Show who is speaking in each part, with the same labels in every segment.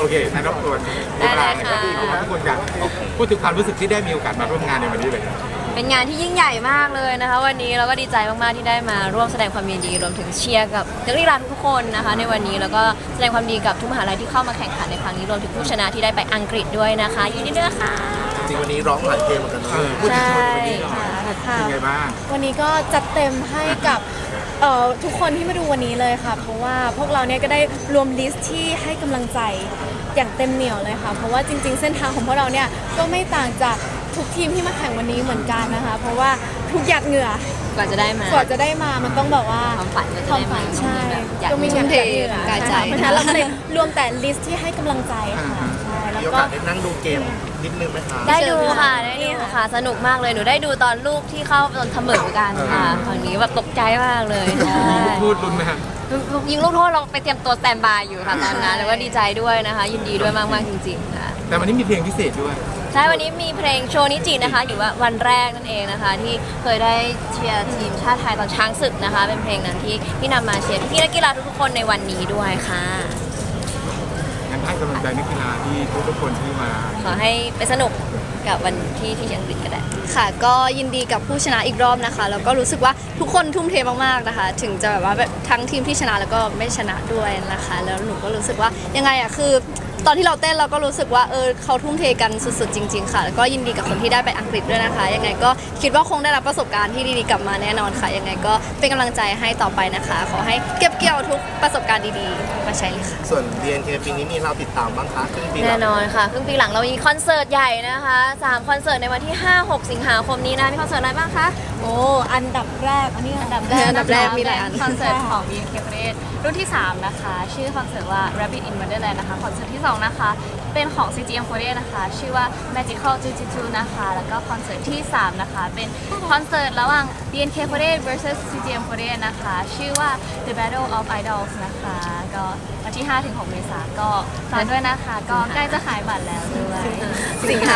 Speaker 1: โอเคงั้นรบกวน
Speaker 2: ได้เลยค่ะ
Speaker 1: ทุกคนอยากพูดถึงความรู้สึกที่ได้มีโอกาสมาร่วมงานในวันนี้เลย
Speaker 2: เป็นงานที่ยิ่งใหญ่มากเลยนะคะวันนี้เราก็ดีใจมากๆที่ได้มาร่วมแสดงความยินดีรวมถึงเชียร์กับนักกีฬาทุกคนนะคะในวันนี้แล้วก็แสดงความดีกับทุกมหาลัยที่เข้ามาแข่งขันในครั้งนี้รวมถึงผู้ชนะที่ได้ไปอังกฤษด้วยนะคะยินดีด้วยค่ะ
Speaker 3: จริงๆวันนี้ร้องหลายเพลงเหมือนกันเนอะ
Speaker 1: พูดถึงโชว์ในวันนี้หน่อย
Speaker 4: ค่ะ
Speaker 1: เป็นไงบ้าง
Speaker 4: วันนี้ก็จัดเต็มให้กับทุกคนที่มาดูวันนี้เลยค่ะ เพราะว่าพวกเราเนี่ยก็ได้รวมลิสต์ที่ให้กำลังใจอย่างเต็มเหนียวเลยค่ะ เพราะว่าจริงๆ เส้นทางของพวกเราเนี่ยก็ไม่ต่างจากทุกทีมที่มาแข่งวันนี้เหมือนกันนะคะ เพราะว่าทุกหยาดเหงื่อก
Speaker 2: ว่าจะได้มา
Speaker 4: กว่าจะได้มามันต้องแบบว่า
Speaker 2: ความฝันก็จะ
Speaker 4: ความ
Speaker 2: ได้
Speaker 4: ฝั
Speaker 2: มาน
Speaker 4: ใช่
Speaker 2: อยาก
Speaker 4: ก็มี
Speaker 2: ทุ่
Speaker 4: เงิ
Speaker 2: ม
Speaker 4: น
Speaker 2: เท
Speaker 4: เหงื่อ
Speaker 2: กายใจ
Speaker 4: เพราะฉะนั้นเราก็เลยรวมแต่ลิสต์ที่ให้กำลังใจค่ะใช่แล้ว
Speaker 3: มีโอ
Speaker 4: ก็
Speaker 3: กาสได้นั่งดูเกมนิดนึงไหมคะ
Speaker 2: ได้ดูค่ะได้ดูค่ะสนุกมากเลยหนูได้ดูตอนลูกที่เข้าตอนเสมอกันค่ะฝั่งนี้แบบตกใจมากเลยใช่
Speaker 1: พูดรุนไหมครับ
Speaker 2: ยิงลูกโทษเราไปเตรียมตัวสแตนบายอยู่ค่ะตอนนั้นแล้วก็ดีใจด้วยนะคะ ยินดีด้วยมากๆจริงๆค่ะ
Speaker 1: แต่วันนี้มีเพลงพิเศษด้วย
Speaker 2: ใช่วันนี้มีเพลงโชว์นิจินะคะอยู่ว่าวันแรกนั่นเองนะคะ ที่เคยได้เชียร์ทีมชาติไทยตอนช้างศึกนะคะ เป็นเพลงนั้นที่นำมาเชียร์พี่นักกีฬาทุกๆคนในวันนี้ด้วยค่ะ
Speaker 1: งั้นให้กำลังใจนักกีฬาที่ทุกคนที่มา
Speaker 2: ขอให้ไปสนุกกับวันที่อังกฤษก็ได้
Speaker 5: ค่ะก็ยินดีกับผู้ชนะอีกรอบนะคะแล้วก็รู้สึกว่าทุกคนทุ่มเทมากๆนะคะ ถึงจะแบบว่าทั้งทีมที่ชนะแล้วก็ไม่ชนะด้วยนะคะแล้วหนูก็รู้สึกว่ายังไงอะคือตอนที่เราเต้นเราก็รู้สึกว่าเขาทุ่มเทกันสุดๆจริงๆค่ะแล้วก็ยินดีกับคนที่ได้ไปอังกฤษด้วยนะคะยังไงก็คิดว่าคงได้รับประสบการณ์ที่ดีๆกลับมาแน่นอนค่ะยังไงก็เป็นกำลังใจให้ต่อไปนะคะขอให้เก็บเกี่ยวทุกประสบการณ์ดีๆมาใช้เลยค่ะ
Speaker 3: ส่วน BNK ปีนี้มีเราติดตามบ้างคะครึ่งปีหลั
Speaker 2: แน่
Speaker 3: ง
Speaker 2: นอนค่ะครึ่งปีหลังเรามีคอนเสิร์ตใหญ่นะคะ3คอนเสิร์ตในวันที่ 5-6 สิงหาคมนี้นะมีคอนเสิร์ตอะไรบ้างคะ
Speaker 4: โอ้อันดับแรกอันนี้อันดับแรก
Speaker 5: อันดับแรกมีหลายอัน
Speaker 6: คอนเสิร์ตของ BNK ประเทศรุ่นที่ 3 นะคะ ชื่อคอนเสิร์ตว่า Rabbit in Wonderland นะคะ คอนเสิร์ตที่ 2 นะคะ เป็นของ CGM48 นะคะ ชื่อว่า Magical 222 นะคะ แล้วก็คอนเสิร์ตที่ 3 นะคะ เป็นคอนเสิร์ตระหว่าง BNK48 vs CGM48 นะคะ ชื่อว่า The Battle of Idols นะคะ ก็วันที่ 5-6 เมษายนก็ฝากด้วยนะคะ ก็ใกล้จะขายบัตรแล้วด้วย
Speaker 5: สิงหา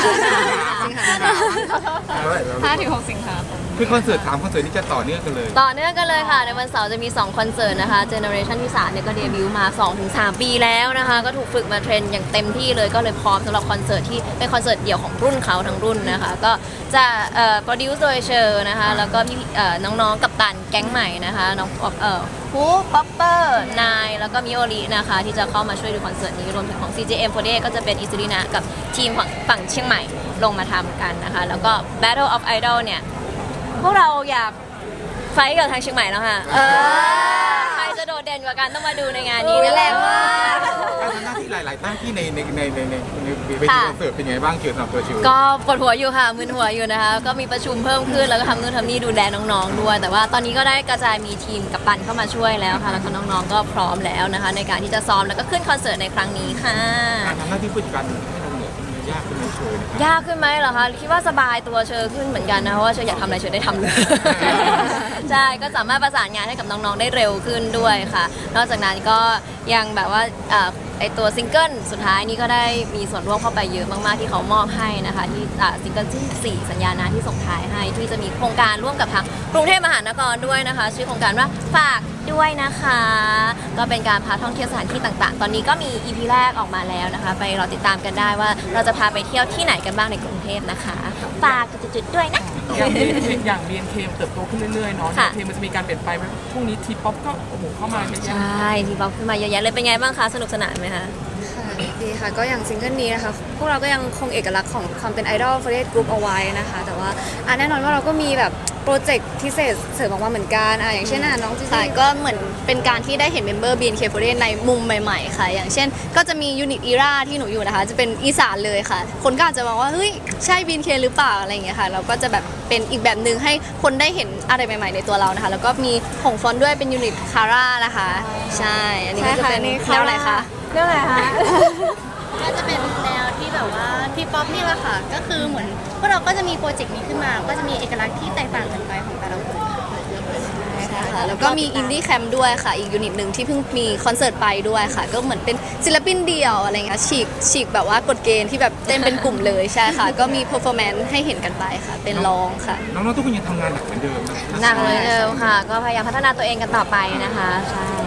Speaker 6: 5-6 สิงหาคม
Speaker 1: คือคอนเสิร์ต3คอนเสิร์ตที่จะต่อเนื่องกันเลย
Speaker 2: ต่อเนื่องกันเลยค่ะ ในวันเสาร์จะมี 2 คอนเสิร์ตนะคะ Generation ที่ 3 เนี่ยก็เดบิวต์มา 2-3 ปีแล้วนะคะ ก็ถูกฝึกมาเทรนอย่างเต็มที่เลยก็เลยพร้อมสำหรับคอนเสิร์ตที่เป็นคอนเสิร์ตเดี่ยวของรุ่นเขาทั้งรุ่นนะคะ ก็จะโปรดิวซ์โดยเชอร์นะคะ แล้วก็พี่น้องๆกัปตันแก๊งใหม่นะคะน้องฮูป๊อปเปอร์นายแล้วก็มิโอรินะคะ ที่จะเข้ามาช่วยดูคอนเสิร์ตนี้รวมถึงของ CJM48 ก็จะเป็นอิสุรินะกับทีมฝั่งเชียงใหม่ลงมาทำกันนะคะ แล้วก็ Battle of Idol เนี่ย พวกเราอยากไฟท์กับทางเชียงใหม่แล้วค่ะใครจะโดดเด่นกว่ากันต้องมาดูในงานนี้นั่นแหละว่า
Speaker 1: การทำหน้าที่หลายๆหน้าที่ในเวทีคอนเสิร์ตเป็นไงบ้างเกี่ยวกับตัวชิว
Speaker 2: ก็ปวดหัวอยู่ค่ะมึนหัวอยู่นะคะ ก็มีประชุมเพิ่มขึ้นแล้วก็ทำนู่นทำนี่ดูแลน้องๆด้วย แต่ว่าตอนนี้ก็ได้กระจายมีทีมกัปตันเข้ามาช่วยแล้วค่ะ แล้วก็น้องๆก็พร้อมแล้วนะคะ ในการที่จะซ้อมแล้วก็ขึ้นคอนเสิร์ตในครั้งนี้ค่ะ
Speaker 1: การทำหน้าที่ผู้จัดการให้เราเหนื่อยมันยากขึ้นไหมโชว์เนี่ย
Speaker 2: ยากขึ้นไหมเหรอคะคิดว่าสบายตัวเชอขึ้นเหมือนกันนะเพราะว่าเชออยากทำอะไรเชอได้ทำเลย ใช่ก็สามารถประสานงานให้กับน้องๆได้เร็วขึ้นด้วยค่ะ นอกจากนั้นก็ยังแบบว่าไอตัวซิงเกิลสุดท้ายนี้ก็ได้มีส่วนร่วมเข้าไปเยอะมากๆที่เขามอบให้นะคะที่ซิงเกิลที่4สัญญานาที่ส่งท้ายให้ที่จะมีโครงการร่วมกับทางกรุงเทพมหานครด้วยนะคะ ชื่อโครงการว่าฝากด้วยนะคะ ก็เป็นการพาท่องเที่ยวสถานที่ต่างๆ ตอนนี้ก็มี EP แรกออกมาแล้วนะคะ ไปรอติดตามกันได้ว่าเราจะพาไปเที่ยวที่ไหนกันบ้างในกรุงเทพนะคะฝากจุดๆด้วยนะ
Speaker 7: อย่าง BNK เติบโตขึ้นเรื่อยๆเนาะ
Speaker 2: ค่ะ
Speaker 7: เพลงมันจะมีการเปลี่ยนไปไหมพรุ่งนี้ทีป๊อปก็โอ้โหเข้ามาเยอะ
Speaker 2: ใช
Speaker 7: แยะ
Speaker 2: ่ทีป๊อปขึ้นมาเยอะแยะเลยเป็นไงบ้างคะสนุกสนานไหมคะ
Speaker 5: ค่ะดีค่ะก็อย่างซิงเกิลนี้นะคะพวกเราก็ยังคงเอกลักษณ์ของความเป็นไอดอลฟอร์เรสกรุ๊ปเอาไว้นะคะแต่ว่าแน่นอนว่าเราก็มีแบบโปรเจกต์พิเศษเสริมออกมาเหมือนกันอย่างเช่นน้องจีซีก็เหมือนเป็นการที่ได้เห็นเมมเบอร์ BNK48 ในมุมใหม่ๆค่ะอย่างเช่นก็จะมียูนิตอีราที่หนูอยู่นะคะจะเป็นอีสานเลยค่ะ คนก็อาจจะมองว่าเฮ้ยใช่ BNK หรือเปล่าอะไรอย่างเงี้ยค่ะเราก็จะแบบเป็นอีกแบบหนึ่งให้คนได้เห็นอะไรใหม่ๆในตัวเรานะคะแล้วก็มีของฟอนต์ด้วยเป็นยูนิตคาร่านะคะใช่อันนี้ก็จะเป็นแนวไหนคะ
Speaker 2: เรื่องอะไรคะ
Speaker 8: ก็จะเป็นแนวที่แบบว่าทีป๊อปนี่แหละค่ะ ก็คือเหมือนพวกเราก็จะมีโปรเจกต์นี้ขึ้นมา ก็จะมีเอกลักษณ์ที่แตกต่างกันไปของแต่ละคนค่ะ
Speaker 5: ใช่ค่ะแล้วก็มีอินดี้แคมป์ด้วยค่ะ อีกยูนิตหนึ่งที่เพิ่งมีคอนเสิร์ตไปด้วยค่ะ ก็เหมือนเป็นศิลปินเดี่ยวอะไรเงี้ยฉีกแบบว่ากฎเกณฑ์ที่แบบเต้นเป็นกลุ่มเลยใช่ค่ะ ก็มีเพอร์ฟอร์แมนซ์ให้เห็นกันไปค่ะ เป็นร้องค่ะ
Speaker 1: น้องๆทุกคนยังทำงานหนักเหมือนเดิมนะ
Speaker 2: หนักเลยเดิมค่ะ ก็พยายามพัฒนาตัวเองกันต่อไปนะคะใช่ค่ะ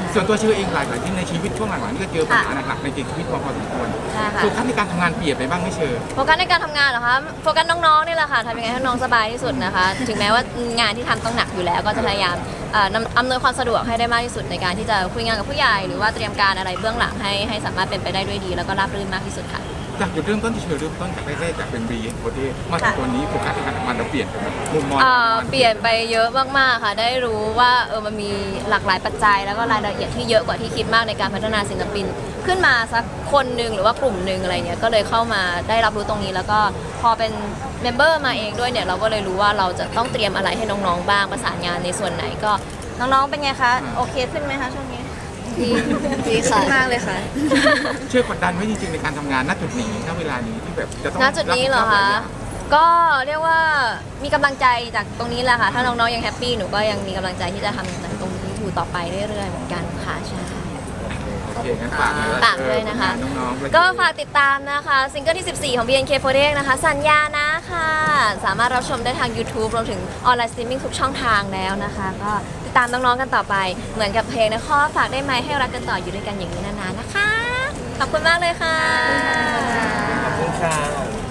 Speaker 1: ส่วนตัวเชื่อเองหลายๆที่ในชีวิตช่วงหลังๆนี่ก็เจอปัญหาหนักๆในชีวิตพอสมควร
Speaker 2: ใช่ค่ะ
Speaker 1: โฟกัสในการทำงานเปลี่ยนไปบ้างไหม่เชื่อ
Speaker 2: โฟกัสในการทำงานเหรอคะโฟกัสน้องๆนี่แหละค่ะทำยังไงให้น้องสบายที่สุดนะคะ ถึงแม้ว่างานที่ทำต้องหนักอยู่แล้ว ก็จะพยายามอำนวยความสะดวกให้ได้มากที่สุดในการที่จะคุยงานกับผู้ใหญ่หรือว่าเตรียมการอะไรเบื้องหลังให้สามารถเป็นไปได้ด้วยดี แล้วก็ราบรื่นมากที่สุดค่ะ
Speaker 1: จากจุดเริ่มต้นที่เชื่อเริ่มต้นจากแรกๆจากเป็นบีโปรเทสมาถึงตัวนี้โฟกัสในการทำงานเราเปลี่ยนไปไหมมุมมอง
Speaker 2: เปลี่ยนไปเยอะมากๆค่ะ ได้รู้ว่ามันมีหลากหลายปัจจัย แล้วก็รายละเอียดที่เยอะกว่าที่คิดมากในการพัฒนาศิลปิน ขึ้นมาสักคนหนึ่งหรือว่ากลุ่มหนึ่งอะไรเงี้ยก็เลยเข้ามาได้รับรู้ตรงนี้ แล้วก็พอเป็นเมมเบอร์มาเองด้วยเนี่ยเราก็เลยรู้ว่าเราจะต้องเตรียมอะไรให้น้องๆบ้างประสานงานในส่วนไหนก็น้องๆเป็นไงคะโอเคขึ้นไหมคะช่วงนี้
Speaker 5: ดีค่ะมากเลยค่ะ
Speaker 1: เชื่อกดดันไหมจริงๆในการทำงานณจุดนี้ณเวลานี้ที่แบบจะต้อง
Speaker 2: ณจุดนี้เหรอ
Speaker 1: บผิดชอบ
Speaker 2: คะ
Speaker 1: หลายอย่าง
Speaker 2: ก็เรียกว่ามีกำลังใจจากตรงนี้แหละค่ะ ถ้าน้องๆยังแฮปปี้หนูก็ยังมีกำลังใจที่จะทำตรงนี้อยู่ต่อไปเรื่อยๆเหมือนกันค่ะใช่
Speaker 1: โอเคงั้นฝากเลย
Speaker 2: ฝากด้วยนะคะ
Speaker 1: น้องๆ
Speaker 2: ก็ฝากติดตามนะคะซิงเกิลที่ 14 ของ BNK48 นะคะ สัญญานะค่ะ สามารถรับชมได้ทาง YouTube รวมถึงออนไลน์สตรีมมิ่งทุกช่องทางแล้วนะคะ ก็ติดตามน้องๆกันต่อไปเหมือนกับเพลงนะข้อฝากได้ไหมให้รักกันต่ออยู่ด้วยกันอย่างนี้นานๆนะคะ ขอบคุณมากเลยค่ะ
Speaker 3: ขอบคุณค่ะ